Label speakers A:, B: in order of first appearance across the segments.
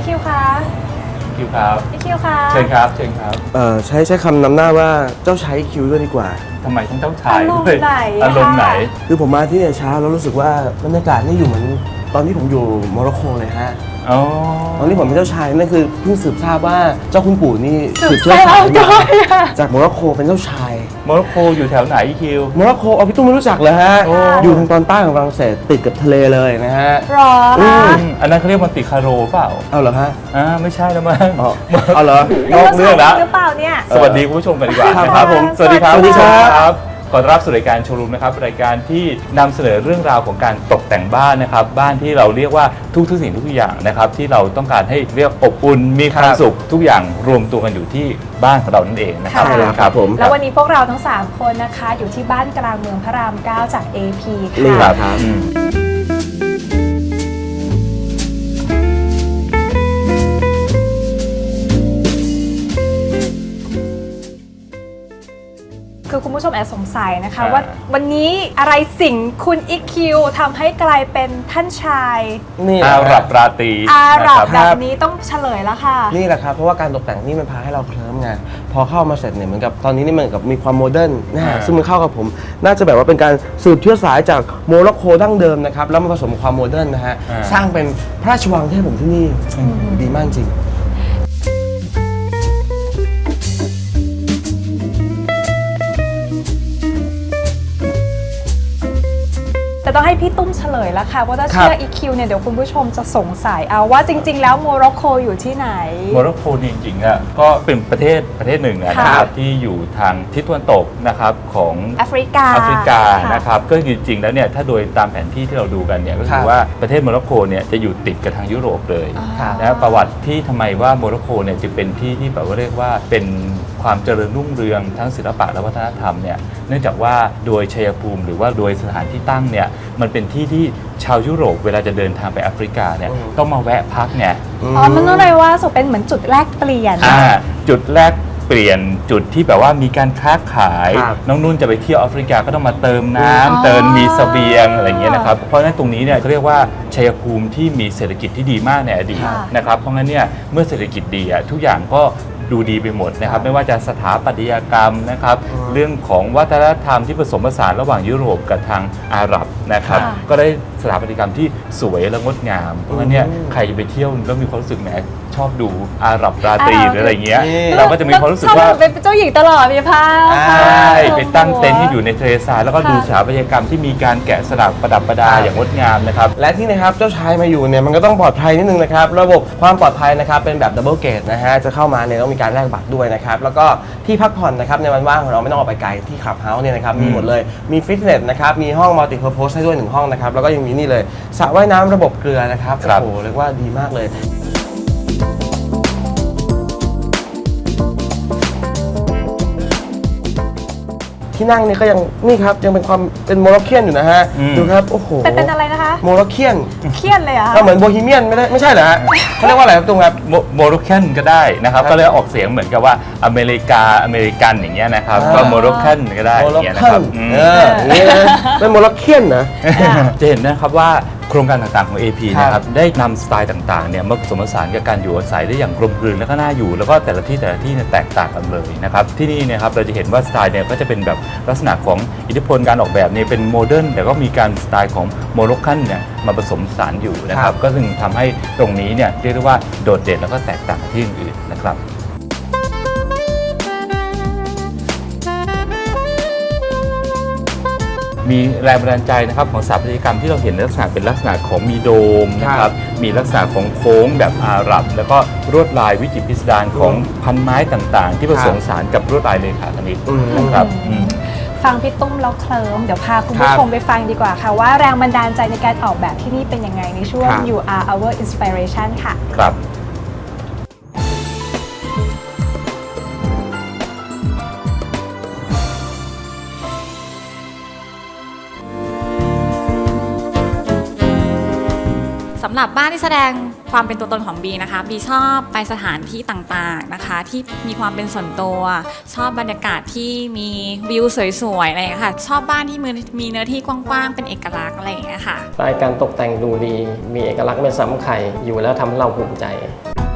A: คิวคะ
B: คิวครับ
A: พี่คิวคะ
B: เชิญครับเชิญครับ
C: ใช้คำนำหน้าว่าเจ้าชายคิวด้วยดีกว่า
B: ทำไมต้องเจ้าชายด้วย
A: อาร
B: อาม ร
A: ณ์
B: ม
A: ไห
B: ณ์
A: น
B: ไหน
C: คือผมมาที่เนี่ยเช้าแล้วรู้สึกว่าบรรยากาศนี่อยู่เหมือนตอนที่ผมอยู่โมร็อกโกเลยฮะ
B: อ๋อ
C: ตอนที่ผมเป็นเจ้าชายนั่นคือเพิ่งสืบทราบว่าเจ้าคุณปู่นี่
A: สืบ
C: เชื้อสาย
A: ทราบ
C: มา
A: ด้วยอะ
C: จากโมร็อกโกเป็นเจ้าชาย
B: โมร็อกโกอยู่แถวไหนคิว
C: โมร็อกโกเอาพี่ตุ้มไม่รู้จักเลยฮะ
B: โอ้
C: อยู่ทางตอนใต้ของฝรั่งเศสติดกับทะเลเลยนะฮะ
A: หรอ
C: อื
A: คะ
C: ม
B: อันนั้นเขาเรียกมันติคาโรเปล่า
C: เอาเหรอฮะ
B: ไม่ใช่แล้วมั้ง
C: อ๋อเอาเหรอ
B: นอกเรื่องแล้ว
A: หรือเปล่าเนี่ย
B: สวัสดีคุณผู้ชมกันดีกว่า
C: ครับ
B: นะครับ
C: ผม
B: สวัสดีครับ
C: สวัสดีครับ
B: ขอต้อนรับสู่รายการโชว์รูมนะครับรายการที่นำเสนอเรื่องราวของการตกแต่งบ้านนะครับบ้านที่เราเรียกว่าทุกสิ่งทุกอย่างนะครับที่เราต้องการให้เรียกอบอุ่นมีความสุขทุกอย่างรวมตัวกันอยู่ที่บ้านของเรานั่นเองนะครับ
A: ใช่แล้ว
C: ครับผม
A: แล้ววันนี้พวกเราทั้ง 3 คนนะคะ อยู่ที่บ้านกลางเมืองพระราม 9 จาก AP
C: นี่
A: ค่ะ
C: ครับ
A: คือคุณผู้ชมแอบสงสัยนะคะว่าวันนี้อะไรสิ่งคุณอีคิวทำให้กลายเป็นท่านชาย
C: นี่
B: อาหรับราตรี
A: อาหรับ
B: นะค
A: แบบนี้ต้องเฉลยแล้วค่ะ
C: นี่แหละครับเพราะว่าการตกแต่งนี่มันพาให้เราเคลิ้มไงพอเข้ามาเสร็จเนี่ยเหมือนกับตอนนี้นี่เหมือนกับมีความโมเดิร์นนะฮะซึ่งมันเข้ากับผมน่าจะแบบว่าเป็นการสืบเชื้อสายจากโมร็อกโกดั้งเดิมนะครับแล้วมาผสมกับความโมเดิร์นนะฮะสร้างเป็นพระราชวังที่ให้ผมที่นี่ดีมากจริง
A: แต่ต้องให้พี่ตุ้มเฉลยแล้วค่ะว่าถ้า
C: ครับ
A: เชื่อ EQ เนี่ยเดี๋ยวคุณผู้ชมจะสงสัยเอาว่าจริง ๆ แล้วโมร็อกโกอยู่ที่ไหน
B: โมร็อกโกจริงๆอ่ะก็เป็นประเทศหนึ่งนะค
A: ครั
B: รับบ ที่อยู่ทางทิศตะวันตกนะครับของ
A: แอฟริกา
B: แอฟริกา
A: ค่ะ
B: นะครับก็จริงๆแล้วเนี่ยถ้าโดยตามแผนที่ที่เราดูกันเนี่ยก็
C: ค
B: คื
C: รั
B: อบ ว่าประเทศโมร็อกโกเนี่ยจะอยู่ติดกับทางยุโรปเลย
A: ครับ
B: นะประวัติที่ทำไมว่าโมร็อกโกเนี่ยจึงเป็นที่ที่แบบว่าเรียกว่าเป็นความเจริญรุ่งเรืองทั้งศิลปะและวัฒนธรรมเนี่ยเนื่องจากว่าโดยชัยภูมิหรือว่าโดยสถานที่ตั้งเนี่ยมันเป็นที่ที่ชาวยุโรปเวลาจะเดินทางไปแอฟริกาเนี่ยต้องมาแวะพักเนี่ย
A: อ๋อมันต้องเลยว่าสุเป็นเหมือนจุดแรกเปลี่ยน
B: จุดแรกเปลี่ยนจุดที่แบบว่ามีการค้าขาย
C: ครับ
B: น้องนุ่นจะไปเที่ยวแอฟริกาก็ต้องมาเติมน้
A: อ๋อ
B: ำเติมมีเสบียงอะไรอย่างเงี้ยนะครับเพราะฉะนั้นตรงนี้เนี่ยเขาเรียกว่าชัยภูมิที่มีเศรษฐกิจที่ดีมากในอดีต
A: ค่ะ
B: นะครับเพราะงั้นเนี่ยเมื่อเศรษฐกิจดีทุกอย่างก็ดูดีไปหมดนะครับไม่ว่าจะสถาปัตยกรรมนะครับเรื่องของวัฒนธรรมที่ผสมผสานระหว่างยุโรปกับทางอาหรับนะครับก็ได้สถาปัตยกรรมที่สวยและงดงามเพราะงั้นเนี่ยใครจะไปเที่ยวแล้วมีความรู้สึกแหมชอบดูอาหรับราตรีหรืออะไรเงี้ยเราก็จะมีความรู้สึกว่า
A: ชอบเป็นเจ้าหญิงตลอดมีผ้า
B: ใช่ไปตั้งเต็นท์ที่อยู่ในทะเลทรายแล้วก็ดูสถาปัตยกรรมที่มีการแกะสลักประดับประดาอย่างงดงามนะครับ
C: และที่นะครับเจ้าชายมาอยู่เนี่ยมันก็ต้องปลอดภัยนิดนึงนะครับระบบความปลอดภัยนะครับเป็นแบบดับเบิลเกตนะฮะจะเข้ามาเนี่ยต้องมีการแลกบัตรด้วยนะครับแล้วก็ที่พักผ่อนนะครับในวันว่างของเราไม่ต้องออกไปไกลที่คลับเฮาส์เนี่ยนะครับมีหมดเลยมีฟิตเนสนะครับมีห้องมัลติเพอร์โพสให้ด้วย1ห้องนะครับแล้วก็ยังมีนี่เลยสระว่ายน้ำระบบเกลือนะครับ
B: ครับ
C: โอ้โหเรียกว่าดีมากเลยที่นั่งนี่ก็ยังนี่ครับยังเป็นความเป็นโมร็อกเคียนอยู่นะฮะดูครับโอ้โห
A: เป็นอะไรนะคะ
C: โมร็อกเคียน
A: เครียดเลยเหรอะ
C: ก็เหมือนโบฮีเมียนไม่ใช่เหรอฮะเขาเรียกว่าอะไรครับตรงครับ
B: โมร็อกกันก็ได้นะครับก็เลยออกเสียงเหมือนกับว่าอเมริกันอย่างเงี้ยนะครับ
C: อ่า
B: ก็โมร็อกกันก็ได้
C: โม
B: อ
C: ร็อก
B: ย่างเงี้ยนะ
C: เคีย
B: ครับ
C: นอย่างนี้นะเป็นโมร็อกเคียนนะ
B: จะเห็นนะครับว่าโครงการต่างๆของ AP
C: ครับ
B: นะครับได้นำสไตล์ต่างๆเนี่ยมาผสมผสานกับการอยู่อาศัยได้อย่างกลมกลืนและก็น่าอยู่แล้วก็แต่ละที่เนี่ยแตกต่างกันเลยนะครับที่นี่เนะครับเราจะเห็นว่าสไตล์เนี่ยก็จะเป็นแบบลักษณะของอิทธิพลการออกแบบเนี่ยเป็นโมเดิร์นแต่ก็มีการสไตล์ของโมร็อกกันเนี่ยมาผสมผสานอยู่นะครับก็จึงทำให้ตรงนี้เนี่ยเรียกได้ว่าโดดเด่นแล้วก็แตกต่างจากที่อื่นๆนะครับ มีแรงบันดาลใจนะครับของสถาปัตยกรรมที่เราเห็นในลักษณะเป็นลักษณะของมีโดมนะครับมีลักษณะของโค้งแบบอาหรับ แล้วก็ลวดลายวิจิตรพิสดารของพันไม้ต่างๆ ที่ผสมผสานกับลวดลายเลขาคณิตนะครับ
A: ฟังพี่ตุ้มแล้วเคลิ้มเดี๋ยวพาคุณผู้ชมไปฟังดีกว่าค่ะว่าแรงบันดาลใจในการออกแบบที่นี่เป็นยังไงในช่วง You Are Our Inspiration ค่ะ
B: ครับ
D: สำหรับบ้านที่แสดงความเป็นตัวตนของบีนะคะบีชอบไปสถานที่ต่างๆนะคะที่มีความเป็นส่วนตัวชอบบรรยากาศที่มีวิวสวยๆอะไรอย่างเงี้ยค่ะชอบบ้านที่มีเนื้อที่กว้างๆเป็นเอกลักษณ์อะไรอย่างเงี้ยค่ะ
E: สไตล์การตกแต่งดูดี มีเอกลักษณ์ไม่ซ้ำใครอยู่แล้วทำให้เราภูมิใจ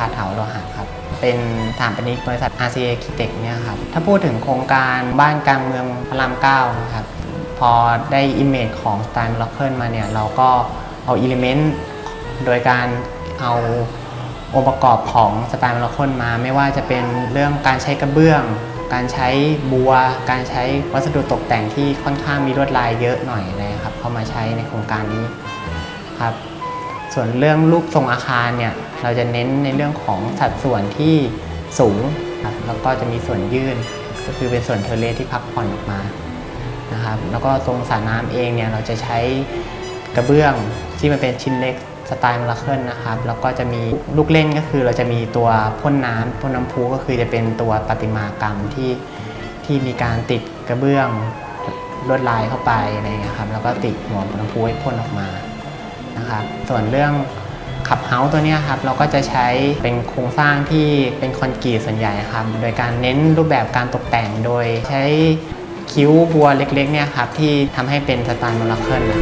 E: าเถาโลหะครับเป็นสถาปนิกบริษัท RCA Architect เนี่ยครับถ้าพูดถึงโครงการบ้านกลางเมืองพระราม9นะครับพอได้อิมเมจของสไตล์ล็อกเกิลมาเนี่ยเราก็เอาอิเลเมนต์โดยการเอาองค์ประกอบของสไตล์ล็อกเกิลมาไม่ว่าจะเป็นเรื่องการใช้กระเบื้องการใช้บัวการใช้วัสดุตกแต่งที่ค่อนข้างมีลวดลายเยอะหน่อยนะครับเข้ามาใช้ในโครงการนี้ครับส่วนเรื่องรูปทรงอาคารเนี่ยเราจะเน้นในเรื่องของสัดส่วนที่สูงครับแล้วก็จะมีส่วนยื่นก็คือเป็นส่วนเทอร์เลสที่พักผ่อนออกมานะครับแล้วก็ตรงสระน้ำเองเนี่ยเราจะใช้กระเบื้องที่มันเป็นชิ้นเล็กสไตล์มลาเคิลนะครับแล้วก็จะมีลูกเล่นก็คือเราจะมีตัวพ่นน้ำพุก็คือจะเป็นตัวประติมากรรมที่มีการติดกระเบื้องลวดลายเข้าไปอะไรอย่างเงี้ยครับแล้วก็ติดหัวพ่นน้ำพุให้พ่นออกมานะครับส่วนเรื่องขับเฮาส์ตัวเนี้ยครับเราก็จะใช้เป็นโครงสร้างที่เป็นคอนกรีตส่วนใหญ่ครับโดยการเน้นรูปแบบการตกแต่งโดยใช้คิ้วบัวเล็กๆเนี่ยครับที่ทำให้เป็นสไตล์มลาเคิล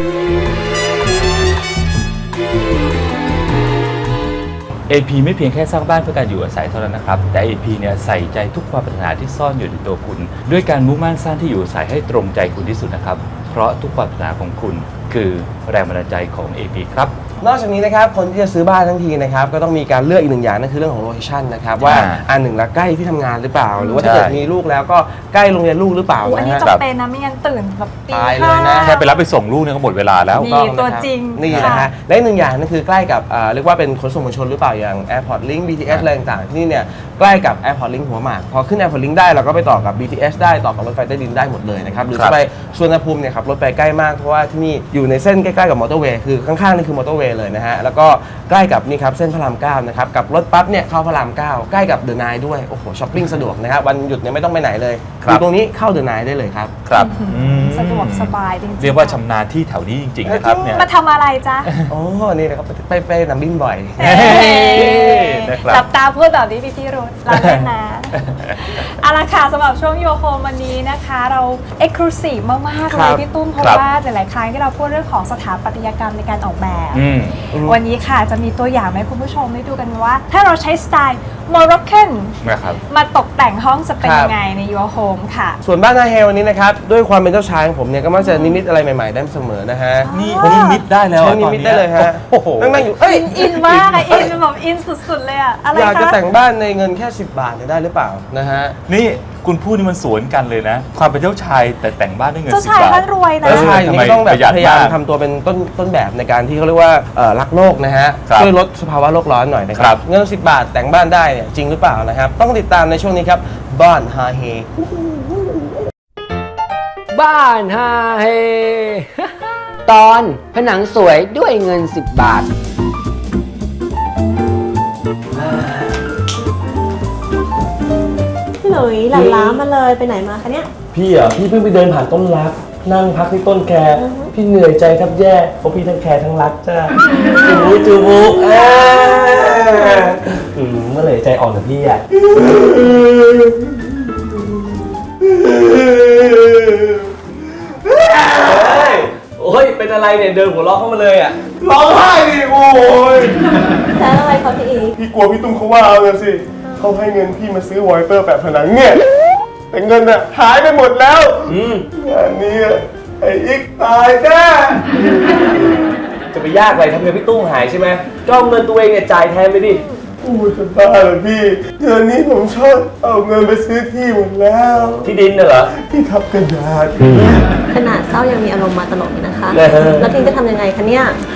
B: AP ไม่เพียงแค่สร้างบ้านเพื่อการอยู่อาศัยเท่านั้นนะครับแต่ AP เนี่ยใส่ใจทุกความปรารถนาที่ซ่อนอยู่ในตัวคุณด้วยการมุ่งมั่นสร้างที่อยู่อาศัยให้ตรงใจคุณที่สุดนะครับเพราะทุกความปรารถนาของคุณคือแรงบันดาลใจของ AP ครับ
C: นอกจากนี้นะครับคนที่จะซื้อบ้านทั้งทีนะครับก็ต้องมีการเลือกอีกหนึ่งอย่างนั่นคือเรื่องของโลเคชั่นนะครับว่าอันหนึ่งละใกล้ที่ทำงานหรือเปล่าหรือว่าถ้าเกิดมีลูกแล้วก็ใกล้โรงเรียนลูกหรือเปล่า
A: อันนี้
C: นะฮะ
A: จำเป็นนะไม่งั้นตื่นแบบตี
C: ตายเลยนะ
B: แค่ไปรับไปส่งลูกเนี่ยก็หมดเวลาแล้ว
A: นี่ตัวจริง
C: นี่นะฮะและอีกหนึ่งอย่างนั่นคือใกล้กับเรียกว่าเป็นขนส่งมวลชนหรือเปล่าอย่าง Airport Link BTS อะไรต่างๆที่นี่เนี่ยใกล้กับ Airport Link หัวหมากพอขึ้น Airport Link ได้เราก็ไปต่อกับ BTS ได้ต่อกับรถไฟใต้ดินได้หมดเลยนะครับหรือจะไปสุวรรณภูมิเนี่ยขับรถไปใกล้มากเพราะว่าที่นี่อยู่ในเส้นใกล้ๆกับมอเตอร์เวย์คือข้างๆนี่คือมอเตอร์เวย์เลยนะฮะแล้วก็ใกล้กับนี่ครับเส้นพระราม9นะครับกับรถปั๊บเนี่ยเข้าพระราม9ใกล้กับเดอะไนท์ด้วยโอ้โหช้อปปิ้งสะดวกนะครับวันหยุดเนี่ยไม่ต้องไปไหนเลยอยู่ตรงนี้เข้าเดอะไนท์ได้เลยครับ
B: ครับ
A: สะดวกสบายจริงๆ
B: เรียกว่าชำนาญที่แถวนี้จริงๆนะครับเนี่ย
A: มาทำอะไรจ๊ะ
C: โอ้นี่นะครับไปนำบิ้นบ่อย
B: นะครับ
A: หลับตาพูดแบบนี้พี่รุธเราเล่นนะ เอาละค่ะสำหรับช่วงโยโฮมวันนี้นะคะ เราเอ็กซ์คลูซีฟมากๆ
C: ค
A: เล
C: รั
A: ย
C: บ
A: พี่ตุ้มเพราะ
B: ครับ
A: ว่าหลายๆครั้งที่เราพูดเรื่องของสถาปัตยกรรมในการออกแบบ
B: อืม
A: วันนี้ค่ะจะมีตัวอย่างให้คุณผู้ชมได้ดูกันว่า ถ้าเราใช้สไตล์โมร็อกเคน
B: นะครับ
A: มาตกแต่งห้องจะเป็น
C: ครับ
A: ยังไงในโยโฮมค่ะ
C: ส่วนบ้านนาเฮลวันนี้นะครับด้วยความเป็นเจ้าชายของผมเนี่ยก็มักจะนิมิตอะไรใหม่ๆได้เสมอนะฮะ
B: นี่นิมิตได้แล้ว
C: ใช้
B: อะ
C: นิ
B: ตอน
C: มิต
B: นี้
C: ได้เลยฮะ
B: โอ้โห
C: นั่งๆอยู่เอ้ย
A: อินมากอะอินแบบอินสุดๆเลยอะอะไร
C: อยากจะ
A: คะ
C: แต่งบ้านในเงินแค่ 10 บาทเนี่ยได้หรือเปล่านะฮะ
B: นี่คุณพูดนี่มันสวนกันเลยนะ ความเป็นเจ้าชายแต่แต่งบ้านด้วยเงิน
A: เจ้า
B: 10
A: ชาย
B: บาท
A: ท่านรวยนะ
C: เจ้าชายอย่างนี้ก็ต้องแบบ
B: ประหยัด
C: พยายาม
B: มาก
C: ทำตัวเป็นต้นแบบในการที่เขาเรียกว่ารักโลกนะฮะ
B: ครับ
C: ช่วยลดสภาวะโลกร้อนหน่อยนะค
B: ครั
C: รับบ เงิน10 บาทแต่งบ้านได้เนี่ยจริงหรือเปล่านะครับต้องติดตามในช่วงนี้ครับบ้านฮาเฮ
F: บ้านฮาเฮ ตอนผนังสวยด้วยเงิน 10 บาท
G: พี่หลุยหลั่นล้ามาเลยไปไหนมาคะเนี่ย
H: พี่เหรอพี่เพิ่งไปเดินผ่านต้นรัก นั่งพักที่ต้นแคร์พี่เหนื่อยใจแทบแย่เพราะพี่ทั้งแคร์ทั้งรักจ้าจูบุเมื่อไหร่ใจอ่อนกับพี่อ่ะโอ้ยเป็นอะไรเนี่ยเดินหัวเราะเข้ามาเลยอ่ะ
C: ร้องไห้ดิโอ้ย
G: แล้วอะไรเขาพี่อีก
C: พี่กลัวพี่ตุ้มเขาว่าเอาเงินสิเขาให้เงินพี่มาซื้อวอลเปอร์แบบผนังเนี่ยแต่เงินอะหายไปหมดแล้วงานนี้อะไอ้อีกตายแน่
H: จะไปยากอะไรทำเงินพี่ตุ้มหายใช่ไหมก็เอาเงินตัวเองเนี่ยจ่ายแทนไปดิ
C: พูดจะบ้าเหรอพี่เดือนนี้ผมชอบเอาเงินไปซื้อที่หมดแล้ว
H: ที่ดินน่ะเหรอ
C: ที่ทับกระดาษ
G: ขนาดเศร้ายังมีอารมณ์มาตลอดเลยนะคะ
H: เออ
G: แล้วทีมจะทำยังไงคะเนี่ย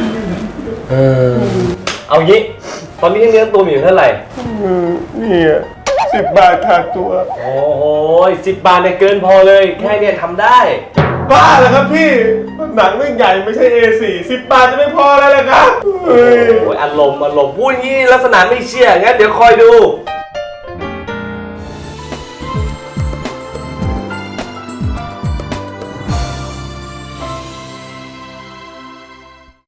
H: เอางี้ ตอนนี้เงินตัวมีอยู่เท่าไหร่
C: นี่อะ10 บาทขาดตัว
H: โอ้โห10 บาทเนี่ยเกินพอเลย แค่เนี่ยทำได้
C: บ้าเหรอครับพี่หนังเรื่องใหญ่ไม่ใช่ A4 10 บาทจะไม่พอแล้วเหรอครับเฮ้ย
H: โอ้ยอารมณ์พูดอย่างนี้ลักษณะไม่เชื่อ งั้นเดี๋ยวคอยดู